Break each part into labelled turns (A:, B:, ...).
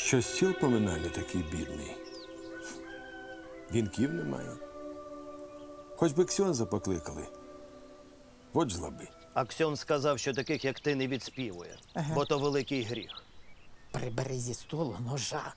A: Що стіл поминальний такий бідний. Вінків немає. Хоч би Ксьонза покликали. От жлоби.
B: Аксьон сказав, що таких, як ти, не відспівує, бо то великий гріх.
C: Прибери зі столу ножа.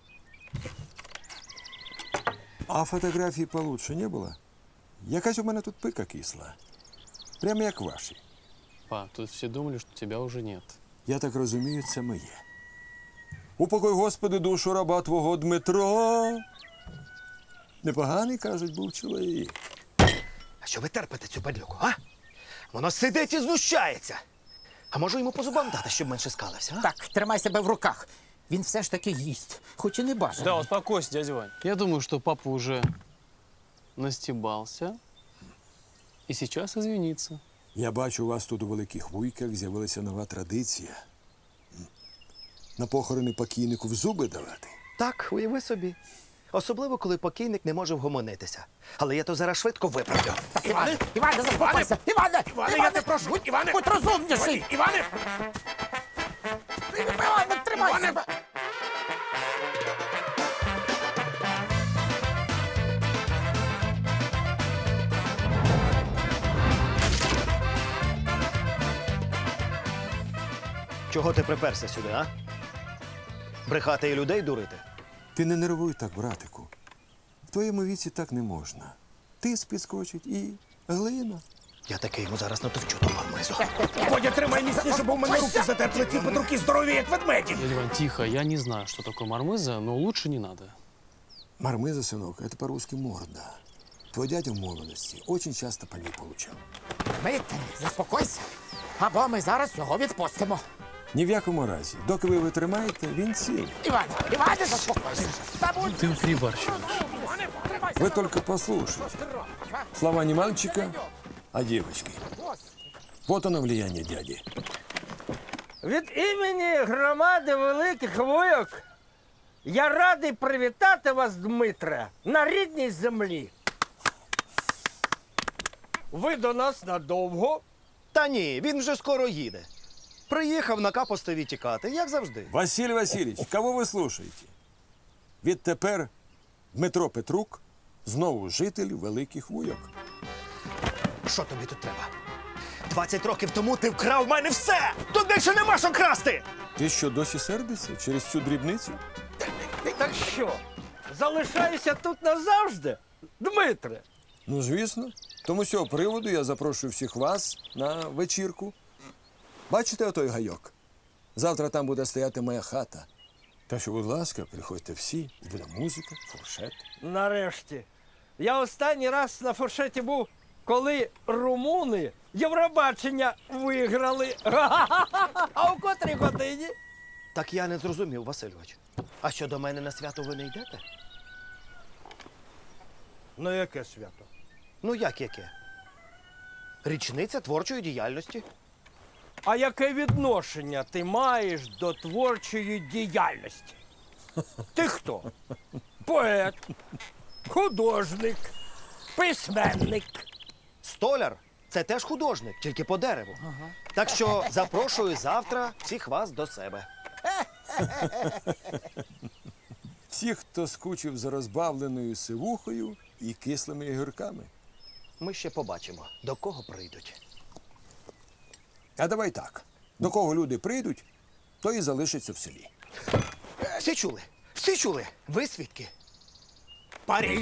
A: А фотографії получше не було? Якась у мене тут пика кисла. Прямо як ваші.
D: Па, тут все думали, что тебя уже нет.
A: Я так розумію, це моє. Упокой, Господи, душу раба твого Дмитро. Непоганий, кажуть, був чоловік.
B: А що ви терпите цю падлюку, а? Воно сидить і знущається. А можу йому по зубам дати, щоб менше скалився, а?
C: Так, тримай себе в руках. Він все ж таки їсть, хоч і не бажано.
D: Да, успокойся, дядя Вань. Я думаю, что папа уже настебался и сейчас извинится.
A: Я бачу, у вас тут у Великих Вуйках з'явилася нова традиція. На похорони покійнику в зуби давати.
B: Так, уяви собі. Особливо, коли покійник не може вгомонитися. Але я то зараз швидко виправлю.
C: Іване, заспокойся! Іване!
B: Я не прошу! Іване!
C: Будь розумніший!
B: Іване!
C: Іване, тримай себе!
B: Чого ти приперся сюди, а? Брехати і людей дурити?
A: Ти не нервуй так, братику. В твоєму віці так не можна. Тис підскочить і глина.
B: Я таки йому зараз натовчу ту мармизу.
E: Бодя, тримай міцніше, бо в мене руки затерпли, ці подруки здорові, як ведмеді.
D: Дядя Вань, тихо, я не знаю, что такое мармыза, но лучше не надо.
A: Мармиза, синок, это по-русски морда. Твой дядя в молодости очень часто по ней получал.
C: Дмитре, заспокойся, або ми зараз його відпустимо.
A: Ні в якому разі. Доки ви витримаєте, він цілий.
C: Іване, заспокойся. Та будь
D: Ты перебарщиваешь.
A: Вы только послушайте. Слова не мальчика, а девочки. Вот оно влияние дяди.
F: Від імені громади Великих Вуйок я радий привітати вас, Дмитре, на рідній землі. Ви до нас надовго?
B: Та ні, він вже скоро їде. Приїхав на капостові тікати, як завжди.
A: Василь Васильевич, кого ви слушаєте? Відтепер Дмитро Петрук знову житель Великих Вуйок.
B: Що тобі тут треба? 20 років тому ти вкрав в мене все! Тут більше нема що красти!
A: Ти що, досі сердишся через цю дрібницю?
F: Так що, залишаюся тут назавжди, Дмитре?
A: Ну, звісно. Тому з цього приводу я запрошую всіх вас на вечірку. Бачите отой гайок? Завтра там буде стояти моя хата. Так що, будь ласка, приходьте всі, буде музика, фуршет.
F: Нарешті. Я останній раз на фуршеті був, коли румуни Євробачення виграли. А у котрій годині?
B: Так я не зрозумів, Васильович. А що до мене на свято ви не йдете?
F: Ну, яке свято?
B: Ну як яке? Річниця творчої діяльності.
F: А яке відношення ти маєш до творчої діяльності? Ти хто? Поет, художник, письменник.
B: Столяр це теж художник, тільки по дереву. Так що запрошую завтра всіх вас до себе.
A: Всіх, хто скучив за розбавленою сивухою і кислими огірками.
B: Ми ще побачимо, до кого прийдуть.
A: А давай так. До кого люди прийдуть, то і залишиться в селі.
B: Всі чули? Всі чули? Ви свідки?
E: Парі.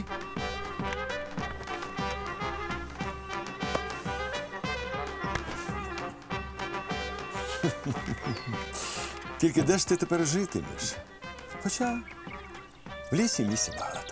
A: Тільки де ж ти тепер житимеш? Хоча в лісі місця багато.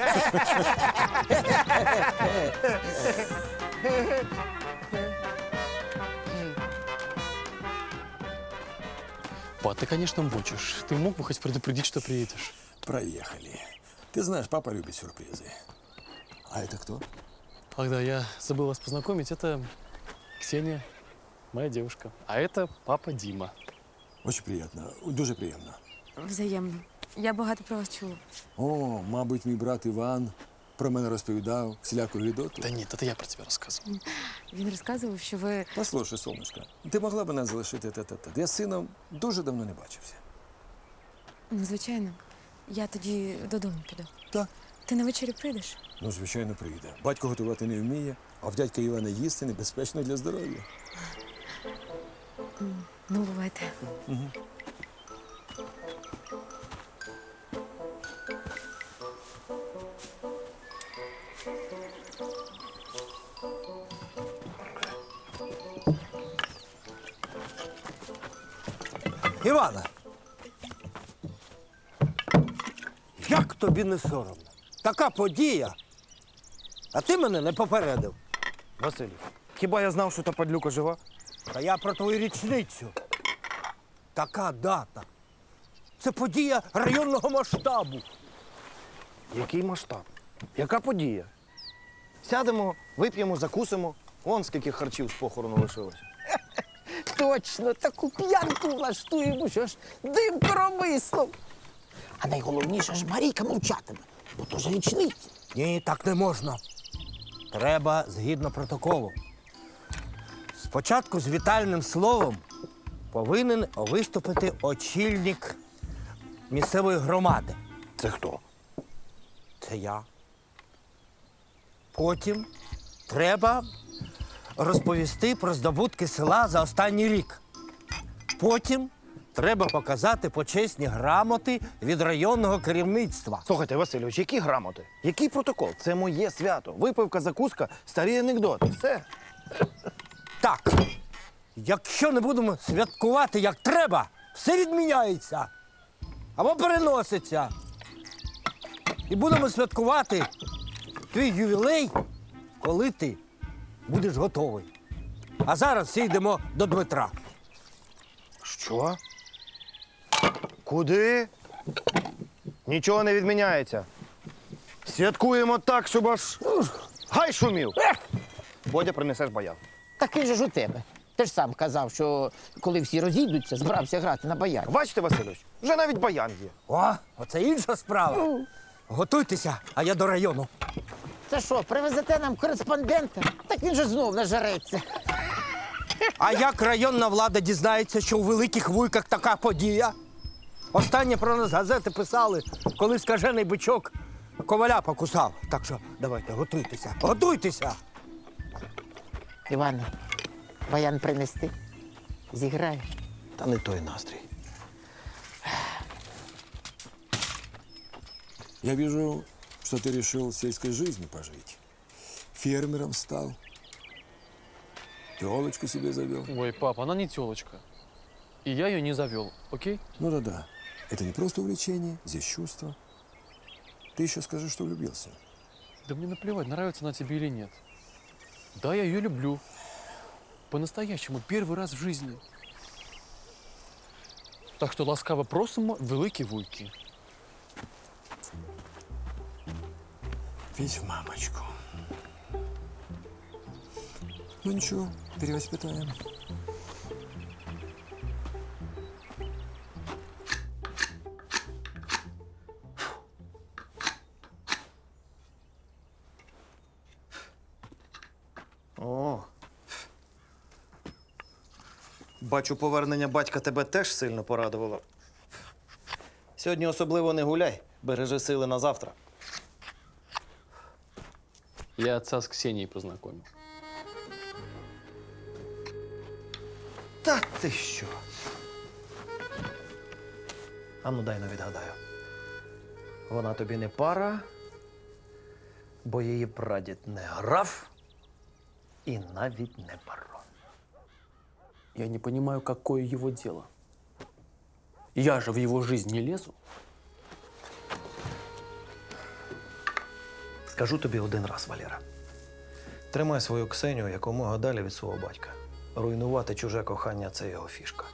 D: Па, ты, конечно, мучишь. Ты мог бы хоть предупредить, что приедешь?
A: Проехали. Ты знаешь, папа любит сюрпризы. А это кто?
D: Ах да, я забыл вас познакомить. Это Ксения, моя девушка. А это папа Дима.
A: Очень приємно, дуже приємно.
G: Взаємно. Я багато про вас чула.
A: О, мабуть, мій брат Іван про мене розповідав всіляку гідоту.
D: Да нет, это я про тебя рассказывал.
G: Він розказував, що ви.
A: Послухай, сонечко, ти могла б нас залишити тет-а-тет? Я з сином дуже давно не бачився.
G: Ну, звичайно. Я тоді додому піду.
A: Так.
G: Ти на вечері прийдеш?
A: Ну, звичайно, прийде. Батько готувати не вміє, а в дядька Івана їсти небезпечно для здоров'я.
G: Ну, бувайте.
F: Івана! Як тобі не соромно? Така подія. А ти мене не попередив.
B: Василю, хіба я знав, що та падлюка жива?
F: Та я про твою річницю. Така дата. Це подія районного масштабу.
B: Який масштаб? Яка подія? Сядемо, вип'ємо, закусимо. Вон скільки харчів з похорону лишилось.
C: Точно, таку п'янку влаштуємо, що ж дим коромислом. А найголовніше ж Марійка мовчатиме, бо то ж річниця.
F: Ні, так не можна. Треба згідно протоколу. Спочатку з вітальним словом повинен виступити очільник місцевої громади.
B: Це хто?
F: Це я. Потім треба розповісти про здобутки села за останній рік. Потім треба показати почесні грамоти від районного керівництва.
B: Слухайте, Васильович, які грамоти? Який протокол? Це моє свято. Випивка, закуска, старі анекдоти. Все.
F: Так, якщо не будемо святкувати як треба, все відміняється або переноситься. І будемо святкувати твій ювілей, коли ти будеш готовий. А зараз всі йдемо до Дмитра.
B: Що? Куди? Нічого не відміняється. Святкуємо так, щоб аж гай шумів. Бодя, принесеш баян.
C: Такий же ж у тебе. Ти ж сам казав, що коли всі розійдуться, збирався грати на баян.
B: Бачите, Васильович, вже навіть баян є.
F: О, оце інша справа. Готуйтеся, а я до району.
C: Це що, привезете нам кореспондента? Так він же знов нажереться.
F: А як районна влада дізнається, що у Великих Вуйках така подія? Останнє про нас газети писали, коли скажений бичок коваля покусав. Так що давайте, готуйтеся, готуйтеся!
C: Іване, баян принести? Зіграєш?
B: Та не той настрій.
A: Я вижу, что ты решил сельской жизнью пожить. Фермером стал. Телочку себе завел.
D: Ой, пап, она не телочка. И я ее не завел, окей?
A: Ну да-да. Это не просто увлечение, здесь чувство. Ты еще скажи, что влюбился.
D: Да мне наплевать, нравится она тебе или нет. Да, я ее люблю. По-настоящему, первый раз в жизни. Так что ласкаво просимо великі вуйки.
A: Ведь в мамочку. Ну ничего, перевоспитаем.
B: О. Бачу, повернення батька тебе теж сильно порадувало. Сьогодні особливо не гуляй, бережи сили на завтра.
D: Я отца с Ксенией познакомил.
B: Та ти що? Ану, дай но відгадаю. Вона тобі не пара, бо її прадід не граф і навіть не барон.
D: Я не понимаю, какое его дело. Я же в его жизнь не лезу.
B: Скажу тобі один раз, Валера. Тримай свою Ксенію якомога далі від свого батька. Руйнувати чуже кохання – це його фішка.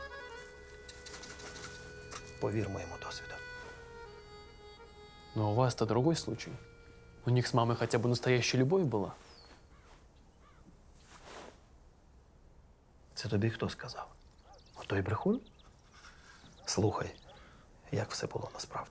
B: Повір моєму досвіду.
D: Но у вас-то другой случай. У них с мамой хотя бы настоящая любовь была.
B: Це тобі хто сказав? Той брехун? Слухай, як все було насправді.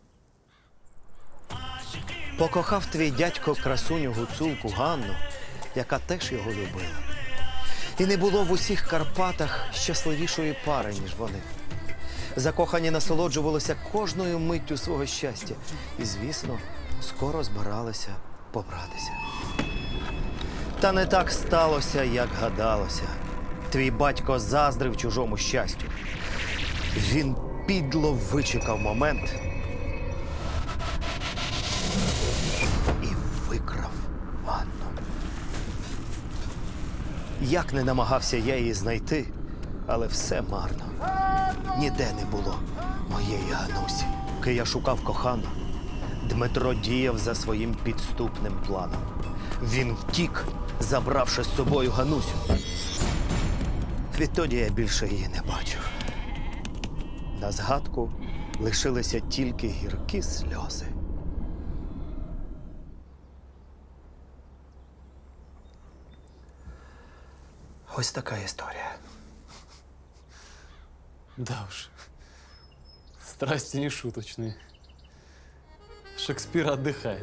B: Покохав твій дядько красуню гуцулку Ганну, яка теж його любила. І не було в усіх Карпатах щасливішої пари, ніж вони. Закохані насолоджувалися кожною миттю свого щастя. І, звісно, скоро збиралися побратися. Та не так сталося, як гадалося. Твій батько заздрив чужому щастю. Він підло вичекав момент і викрав Анну. Як не намагався я її знайти, але все марно. Ніде не було моєї Ганусі. Поки я шукав кохану, Дмитро діяв за своїм підступним планом. Він втік, забравши з собою Ганусю. Відтоді я більше її не бачив. На згадку лишилися тільки гіркі сльози. Ось така історія.
D: Да уж. Страсти не шуточные. Шекспир отдыхает.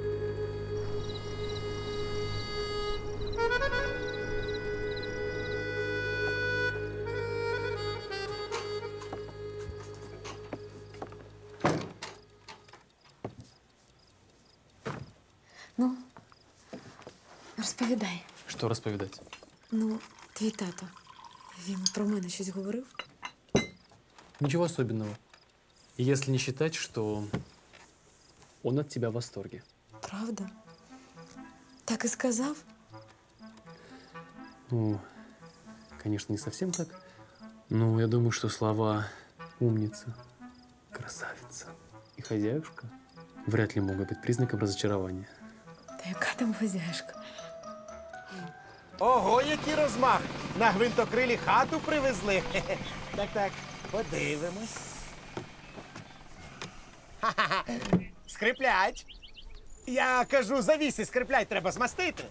G: Ну, розповідай.
D: Что расповедать?
G: Ну, твій тато. Він про мене щось говорив?
D: Ничего особенного. Если не считать, что он от тебя в восторге.
G: Правда? Так і сказав?
D: Ну, конечно, не совсем так. Но я думаю, что слова «умница», «красавица» и «хозяюшка» вряд ли могут быть признаком разочарования.
G: Та яка там хазяюшка?
E: Ого, який розмах! На гвинтокрилі хату привезли. Хе-хе. Так, подивимось. Ха-ха-ха. Скриплять. Я кажу, завіси скриплять треба змастити.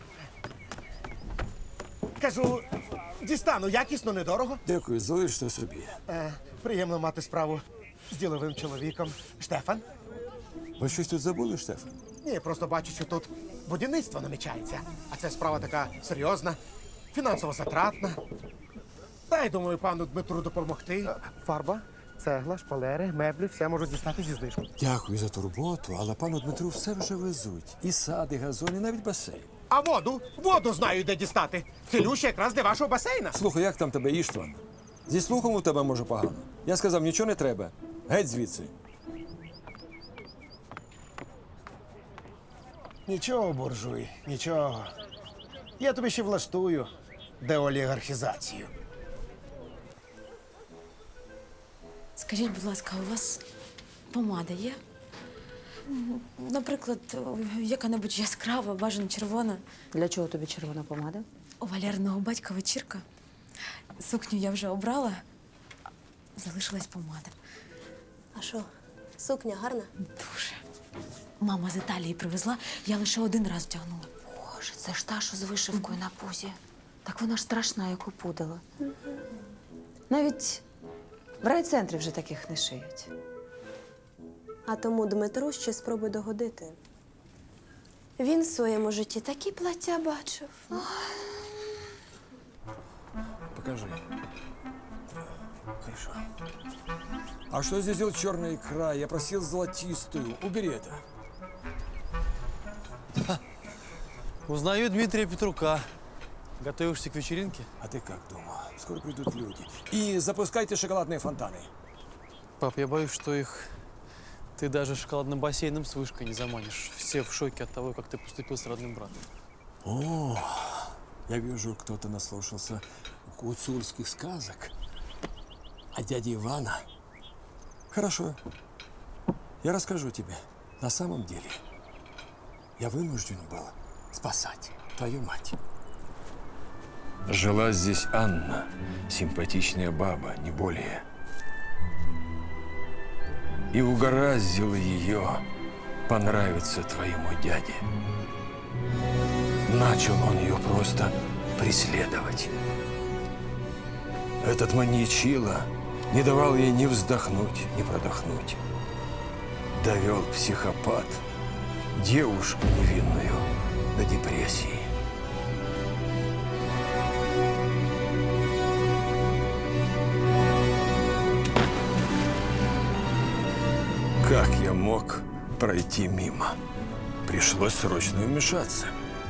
E: Кажу, дістану якісно, недорого.
A: Дякую, залиште собі.
E: Приємно мати справу з діловим чоловіком. Штефан?
A: Ви щось тут забули, Штефан?
E: Ні, просто бачу, що тут будівництво намічається. А це справа така серйозна, фінансово затратна. Дай, думаю, пану Дмитру допомогти. Фарба, цегла, шпалери, меблі, все можуть дістати зі знижкою.
A: Дякую за турботу, але пану Дмитру все вже везуть. І сад, і газон, і навіть басейн.
E: А воду? Воду знаю, де дістати. Цілюща якраз для вашого басейна.
A: Слухай, як там тебе, Іштван? Зі слухом у тебе може погано. Я сказав, нічого не треба. Геть звідси.
E: Нічого, буржуй, нічого. Я тобі ще влаштую деолігархізацію.
G: Скажіть, будь ласка, у вас помада є? Наприклад, яка-небудь яскрава, бажано червона.
H: Для чого тобі червона помада?
G: У Валерного батька вечірка. Сукню я вже обрала, залишилась помада.
I: А що, сукня гарна?
G: Дуже. Мама з Італії привезла, я лише один раз вдягнула.
H: Боже, це ж та, що з вишивкою на пузі. Так вона ж страшна, як опудала. Навіть в райцентрі вже таких не шиють.
I: А тому Дмитру ще спробуй догодити. Він в своєму житті такі плаття бачив.
A: Покажи. Хорошо. А что здесь делает черная икра? Я просил золотистую. Убери это.
D: Узнаю Дмитрия Петрука. Готовишься к вечеринке?
A: А ты как думал? Скоро придут люди. И запускайте шоколадные фонтаны.
D: Пап, я боюсь, что их ты даже шоколадным бассейном с вышкой не заманишь. Все в шоке от того, как ты поступил с родным братом.
A: О, я вижу, кто-то наслушался гуцульских сказок о дяде Ивана. Хорошо. Я расскажу тебе. На самом деле, я вынужден был спасать твою мать. Жила здесь Анна, симпатичная баба, не более. И угораздило ее понравиться твоему дяде. Начал он ее просто преследовать. Этот маньячила не давал ей ни вздохнуть, ни продохнуть. Довел психопат девушку невинную до депрессии. Как я мог пройти мимо? Пришлось срочно вмешаться.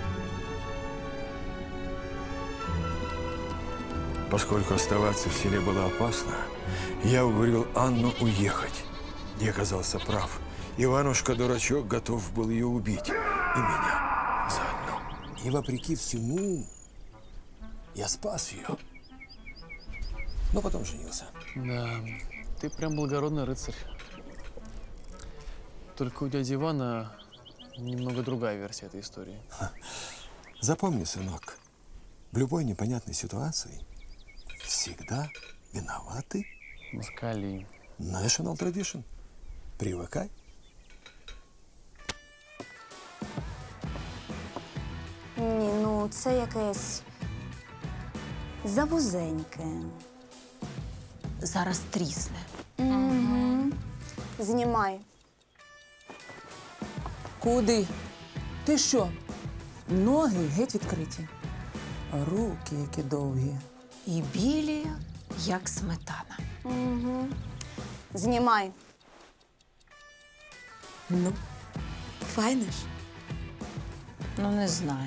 A: Поскольку оставаться в селе было опасно, я уговорил Анну уехать. Я оказался прав. Иванушка-дурачок готов был ее убить. И меня заодно. И вопреки всему, я спас ее. Но потом женился.
D: Да, ты прям благородный рыцарь. Только у дяди Ивана немного другая версия этой истории.
A: Запомни, сынок, в любой непонятной ситуации всегда виноваты
D: Москали.
A: National Tradition. Привыкай.
J: Ні, ну це якесь завузеньке.
H: Зараз трісне.
J: Знімай.
C: Куди? Ти що? Ноги геть відкриті. А руки які довгі.
H: І білі, як сметана.
J: Знімай.
G: Ну, файно ж.
H: Ну, не знаю.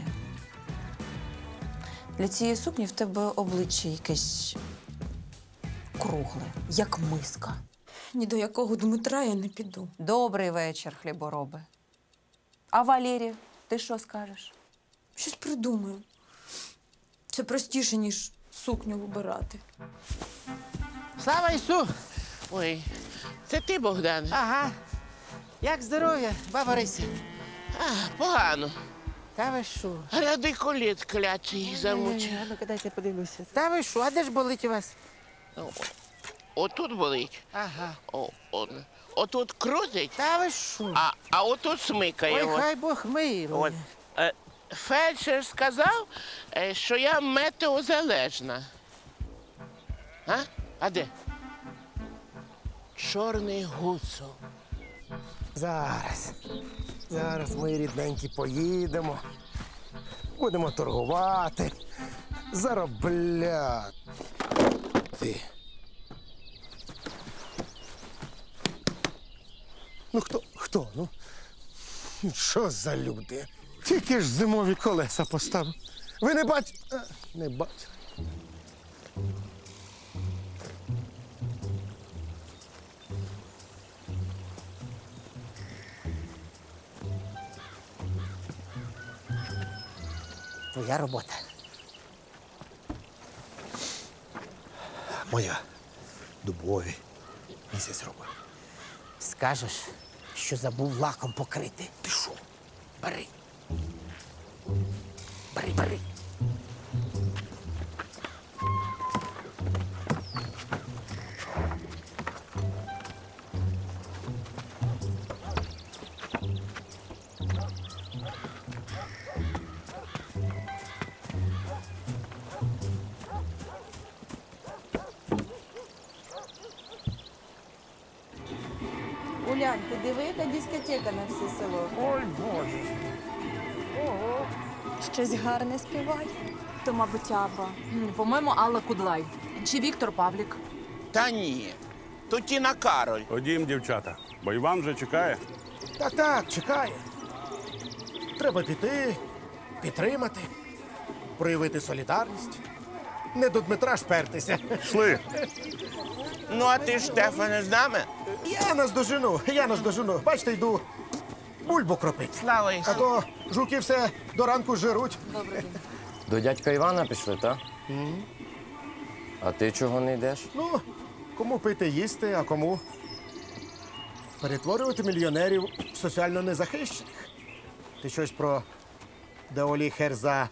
H: Для цієї сукні в тебе обличчя якесь кругле, як миска.
G: Ні до якого Дмитра я не піду.
H: Добрий вечір, хлібороби. А Валерій, ти що скажеш?
G: Щось придумаю. Це простіше, ніж сукню вибирати.
C: Слава Ісу!
K: Ой, це ти, Богдан?
C: Ага. Як здоров'я, баба Рися?
K: Погано.
C: Та ви що?
K: Радикуліт клятий замучив.
C: А ну-ка, дайте подивлюся. Та ви що? А де ж болить у вас?
K: Отут болить.
C: Ага.
K: Отут крутить,
C: Та ви що?
K: а отут смикає.
C: Ой, хай Бог милує.
K: От. Фельдшер сказав, що я метеозалежна. А де? Чорний гуцул.
E: Зараз, мої рідненькі, поїдемо. Будемо торгувати, заробляти. Ну хто? Ну, що за люди? Тільки ж зимові колеса поставив. Ви не бачите? Не бачите.
C: Твоя робота.
E: Моя. Дубові. Місяць робив.
C: Скажеш, що забув лаком покрити.
E: Ти що?
C: Бери. Бери.
J: Улян, ти диви, яка дискотека на все село.
E: Ой, Боже.
J: Щось гарне співає. То, мабуть, Аба.
L: По-моєму, Алла Кудлай. Чи Віктор Павлік.
K: Та ні. То Тіна Кароль.
M: Ходім, дівчата, бо Іван вже чекає.
E: Так, чекає. Треба піти, підтримати, проявити солідарність. Не до Дмитра шпертися.
M: Йшли.
K: Ну, а ти, Штефане, з нами?
E: Я нас дожену. Бачите, йду бульбу кропити.
K: Слава
E: А
K: Ісусу.
E: то жуки все до ранку жируть.
N: До дядька Івана пішли, так? А ти чого не йдеш?
E: Ну, кому пити їсти, а кому перетворювати мільйонерів в соціально незахищених. Ти щось про деоліхерза.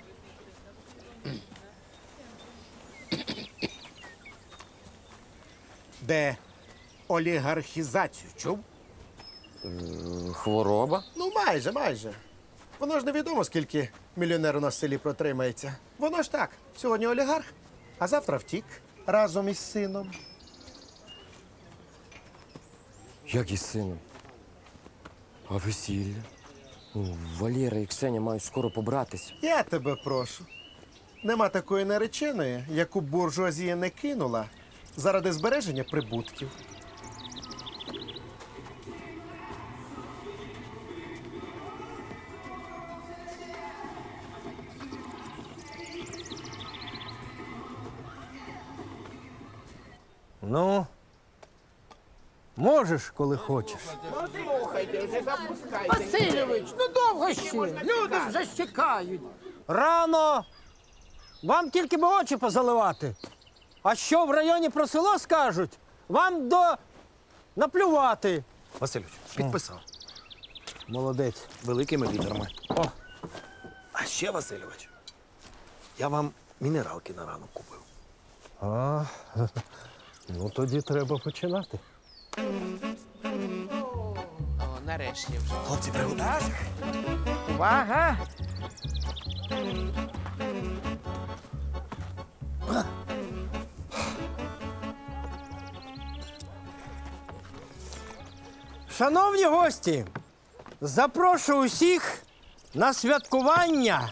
E: Де олігархізацію чув?
N: Хвороба?
E: Ну, майже. Воно ж невідомо, скільки мільйонер у нас в селі протримається. Воно ж так, сьогодні олігарх, а завтра втік разом із сином.
N: Як із сином? А весілля? Валера і Ксеня мають скоро побратися.
E: Я тебе прошу. Нема такої нареченої, яку буржуазія не кинула заради збереження прибутків.
F: Ну, можеш, коли хочеш.
K: Слухайте, вже запускайте.
C: Васильович, ну довго ще. Люди вже чекають.
F: Рано! Вам тільки би очі позаливати. А що в районі про село скажуть? Вам наплювати.
B: Васильович, підписав.
F: Молодець.
B: Великими літерами. О. А ще, Васильович, я вам мінералки на ранок купив.
F: А, ну тоді треба починати.
K: О, нарешті вже.
B: Хлопці, приготуйтеся.
C: Увага!
F: Шановні гості, запрошую усіх на святкування.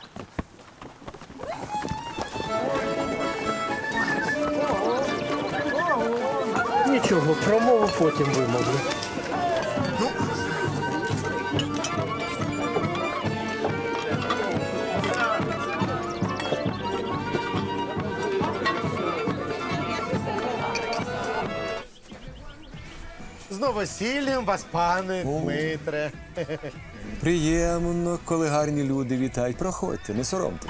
F: Нічого, промову потім вимовлю.
E: З новосіллям вас, пане Дмитре.
A: Приємно, коли гарні люди вітають. Проходьте, не соромтесь.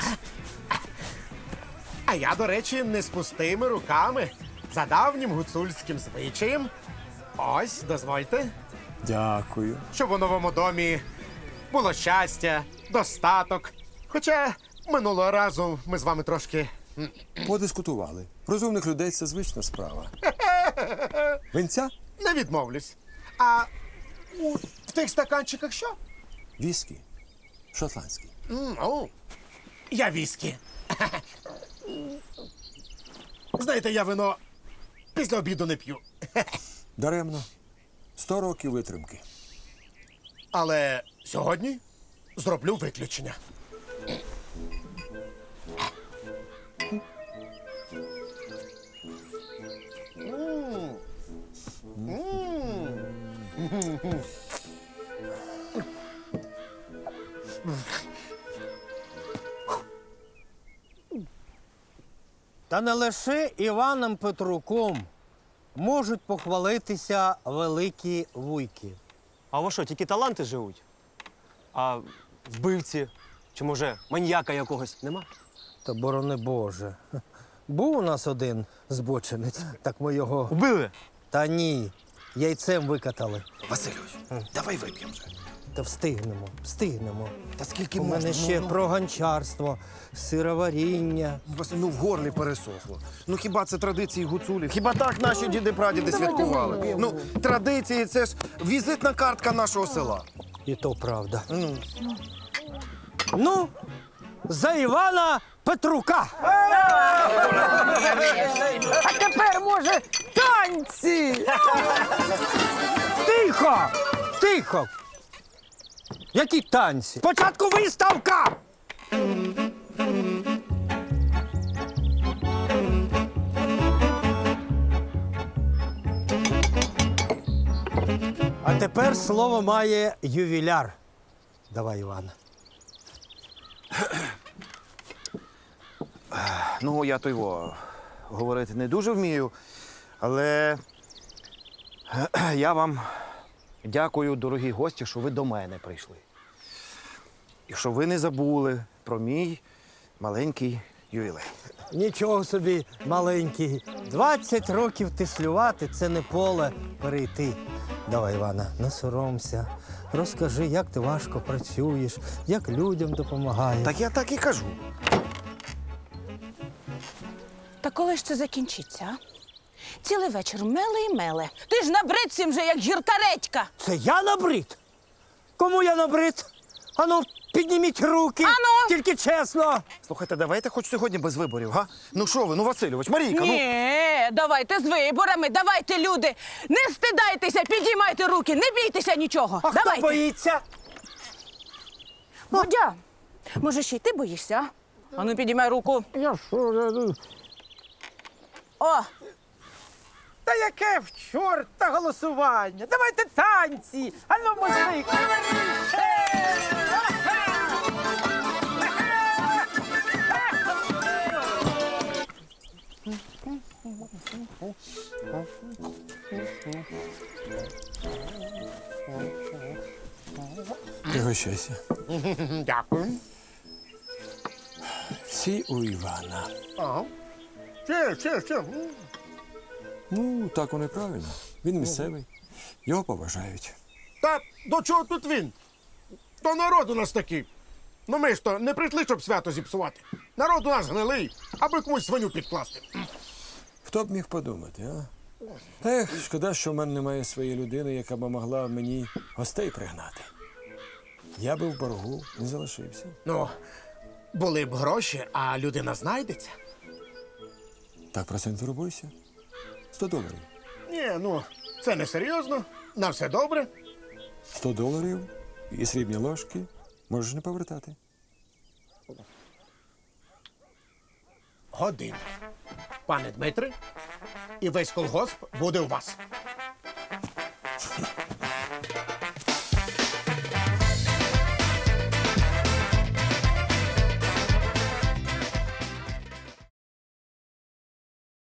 E: А я, до речі, не з пустими руками. За давнім гуцульським звичаєм. Ось, дозвольте,
A: Дякую.
E: щоб у новому домі було щастя, достаток. Хоча минулого разу ми з вами трошки
A: Подискутували. Розумних людей це звична справа. Винця?
E: не відмовлюсь. А в тих стаканчиках що?
A: Віскі. Шотландський.
E: Я віскі. Знаєте, я вино після обіду не п'ю.
A: Даремно. 100 років витримки.
E: Але сьогодні зроблю виключення.
F: Та не лише Іваном Петруком можуть похвалитися великі вуйки.
N: А у вас що, тільки таланти живуть? А вбивці чи, може, маньяка якогось нема?
F: Та борони Боже. Був у нас один збочинець, так ми його.
N: Убили?
F: Та ні, яйцем викатали.
B: Васильович, давай вип'ємо вже.
F: Та встигнемо.
B: Та скільки
F: У
B: можна?
F: мене ще про гончарство, сироваріння.
B: Василь, в горлі пересохло. Ну хіба це традиції гуцулів? Хіба так наші діди-прадіди святкували? Ну, традиції це ж візитна картка нашого села.
F: І то правда. Ну, за Івана Петрука!
C: А тепер, може, танці!
F: Тихо! Які танці? Спочатку виставка! А тепер слово має ювіляр. Давай, Іван.
B: Ну, я то його говорити не дуже вмію, але я вам дякую, дорогі гості, що ви до мене прийшли. І що ви не забули про мій маленький ювілей.
F: Нічого собі, маленький. 20 років тислювати – це не поле перейти. Давай, Івана, не соромся. Розкажи, як ти важко працюєш, як людям допомагаєш.
B: Так я так і кажу.
J: Та коли ж це закінчиться? А? Цілий вечір меле і меле. Ти ж набрид цим же, як гірка редька.
F: Це я набрид? Кому я набрид? Ану, підніміть руки.
J: Ану!
F: Тільки чесно.
B: Слухайте, давайте хоч сьогодні без виборів, га? Ну що ви, ну Васильович, Марійка, ну.
J: Ні, давайте з виборами, давайте, люди. Не стидайтеся, підіймайте руки, не бійтеся нічого.
F: А
J: давайте.
F: хто боїться?
J: Бодя, може, ще й ти боїшся? А ну, підіймай руку.
C: Я що?
J: О,
C: Та яке в чорта голосування? Давайте танці! Ану, музик!
A: Пригощайся.
E: Дякую.
A: Всі у Івана.
E: Ага. Ще.
A: Ну, так воно і правильно. Він місцевий. Його поважають.
E: Та до чого тут він? То народ у нас такий. Ну ми ж то не прийшли, щоб свято зіпсувати. Народ у нас гнилий, аби комусь свиню підкласти.
A: Хто б міг подумати, а? Ех, шкода, що в мене немає своєї людини, яка б могла мені гостей пригнати. Я би в боргу не залишився.
E: Ну, були б гроші, а людина знайдеться.
A: Так про це не турбуйся. $100.
E: Ні, ну, це не серйозно. На все добре.
A: $100 і срібні ложки можеш не повертати.
E: Година. Пане Дмитре, і весь колгосп буде у вас.